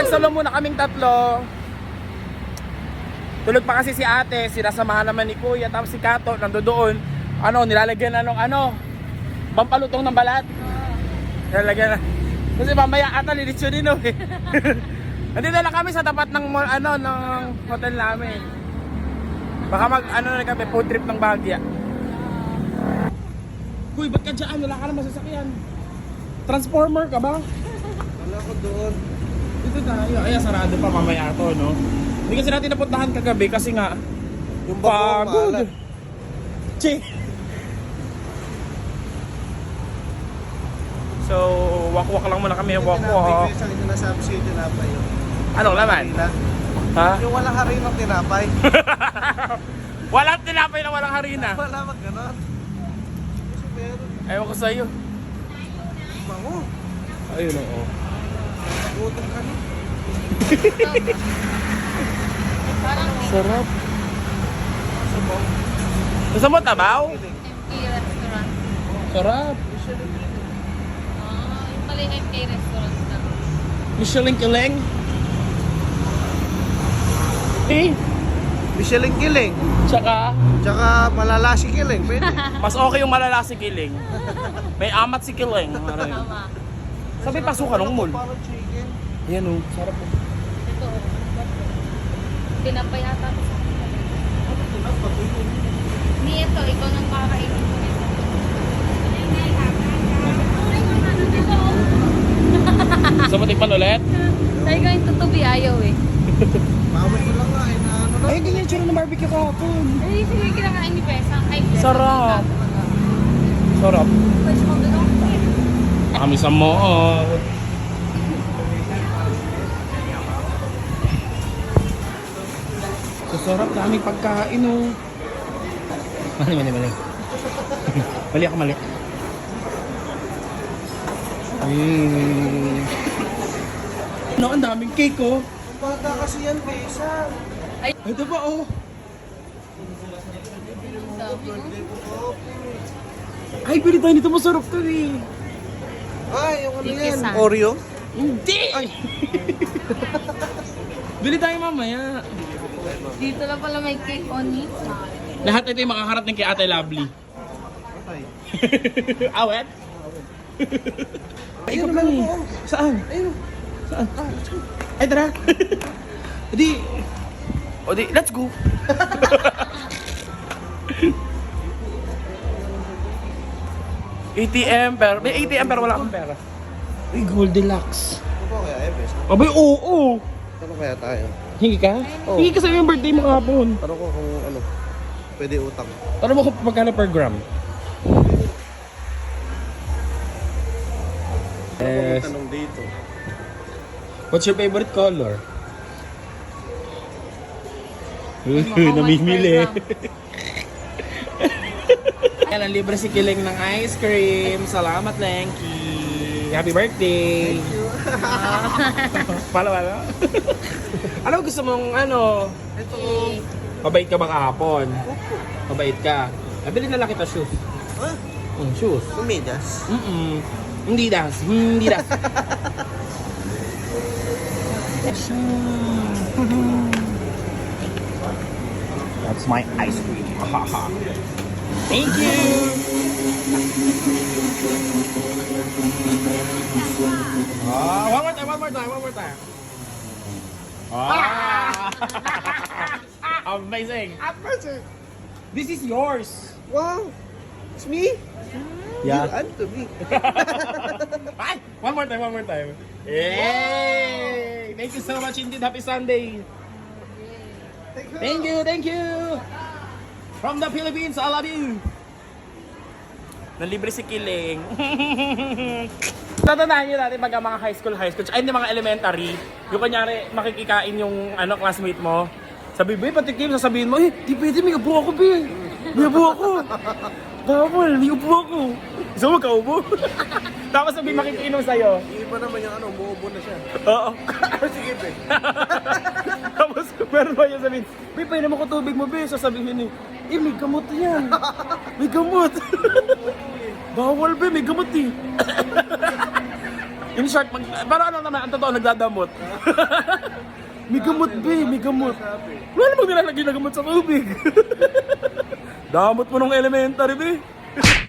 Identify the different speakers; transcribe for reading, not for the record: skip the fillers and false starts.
Speaker 1: Magsasalong muna kaming tatlo. Tulog pa kasi si ate, sinasamahan naman ni kuya, tapos si Kato nandoon. Nilalagyan na ng pampalutong ng balat. Nilalagyan na. Kasi mamaya ata lilitsyonin eh. Nandito na kami sa tapat ng ng hotel namin. Baka na kami, food trip ng Bagya. Kuy, ba't ka dyan? Wala ka na masasakyan. Transformer ka ba?
Speaker 2: Wala ko doon.
Speaker 1: Dito tayo. Ay, sarado pa mamaya to, no? Hindi kasi natin napuntahan kagabi kasi nga
Speaker 2: Yung pagod.
Speaker 1: Che. So, walk-walk lang muna kami. Walk-walk.
Speaker 2: Isang sinasabi sa'yo tinapay yun.
Speaker 1: Anong laman? Ha?
Speaker 2: Yung walang harinang tinapay.
Speaker 1: Walang tinapay na walang harina.
Speaker 2: Wala mag ganon. Kasi meron.
Speaker 1: Ewan ko sa'yo.
Speaker 2: Bango.
Speaker 1: Ayun oo.
Speaker 2: Gutom ka na.
Speaker 1: Sarap. Gusto mo tabaw?
Speaker 3: MK Restaurant.
Speaker 1: Sarap.
Speaker 3: Yung pala yung MK Restaurant na.
Speaker 1: Michelin Kileng. Eh,
Speaker 2: Michelin Kiling.
Speaker 1: tsaka
Speaker 2: Tsaka malala si Kiling. Pwede.
Speaker 1: mas okay yung malala si Kiling. May amat si Kileng.
Speaker 3: Tama.
Speaker 1: Sabi pasukan ng mall.
Speaker 2: Parang chicken.
Speaker 1: Ayan o, sarap o.
Speaker 3: Ito. Tinapay ata ito sa akin. Ni ito, ikaw nang kakainin ko nito.
Speaker 1: Gusto mo tikman ulit?
Speaker 3: Sabi ko yung tutubi ayaw eh.
Speaker 2: Mamay ko lang nga. Na ano na.
Speaker 1: Ay, ganyan yung tsura ng barbecue kahapon.
Speaker 3: Eh, sige kinakain ni Pesang. Ay, Pesang.
Speaker 1: Sarap. Sarap.
Speaker 3: Pwede mo doon.
Speaker 1: Kami sa mall. Sarap, daming pagkain o. Mali. Mali ako, mali. Ang daming cake oh.
Speaker 2: Bata kasi yan, Besa.
Speaker 1: Ito pa oh. Ay, pili tayo nito, masarap to eh.
Speaker 2: Ay, yung ano
Speaker 3: Thank you,
Speaker 2: yan?
Speaker 3: son.
Speaker 2: Oreo?
Speaker 1: Hindi! Ay! Bili tayo mamaya.
Speaker 3: Dito na pala may cake on it.
Speaker 1: Lahat ito yung makakarating kay Ate Lovely.
Speaker 2: Ay.
Speaker 1: Awet? Ay,
Speaker 2: Ayun,
Speaker 1: ikaw pa
Speaker 2: meron
Speaker 1: eh.
Speaker 2: po.
Speaker 1: Saan?
Speaker 2: Ayun.
Speaker 1: Saan? Ay, tara. Let's go. ATM pero may ATM pero wala akong pera. Ay, Goldilocks.
Speaker 2: Ano ba kaya, Besa?
Speaker 1: Abay, oo.
Speaker 2: Ano kaya tayo?
Speaker 1: Hingi ka?
Speaker 2: Oo.
Speaker 1: Hingi ka sa yung birthday mo kahapon.
Speaker 2: Tanong ko kung ano, pwede utang.
Speaker 1: Tanong mo kung magkano per gram. Yes.
Speaker 2: Tanong dito.
Speaker 1: What's your favorite color?
Speaker 3: Mukhang
Speaker 1: Namimili.
Speaker 3: white per
Speaker 1: Yan, ang libre si Kiling ng ice cream. Salamat, Lenky. Happy birthday. Pala. Ano gusto mong
Speaker 2: Ito.
Speaker 1: Mabait ka ba kahapon? Mabait ka. Nabili na lang kita shoes.
Speaker 2: Ha?
Speaker 1: Shoes.
Speaker 2: Kumidas?
Speaker 1: Hindi das. Hindi das. That's my ice cream. Thank you. One more time. Amazing. This is yours.
Speaker 2: Wow! It's me?
Speaker 1: Yeah.
Speaker 2: You and to me.
Speaker 1: Ay, one more time. Yay! Thank you so much indeed. Happy Sunday. Thank you. From the Philippines, I love you. Nalibre si Kiling. Tatandaan nyo natin pag mga high school, ay hindi mga elementary, yung kanyari makikikain yung classmate mo. Sabi, "Be, patikim," sasabihin mo, di pwede, may upo ako, be. May upo ako. Bawal, may upo ako. Gusto mo kaubo? Tapos sabi makikinom sa'yo.
Speaker 2: Iba naman yung umuubo na siya.
Speaker 1: Oo.
Speaker 2: Sige, be.
Speaker 1: Tapos meron pa yung sabihin, "Be, painom ako tubig mo, be." Sasabihin may gamot yan. May gamot. Bawal, be, may gamot eh. In short, parang ano naman, ang totoo, nagdadamot. May gamot, be, may gamot. Wala namang nilalagay na gamot sa tubig. Damot mo nung elementary, be.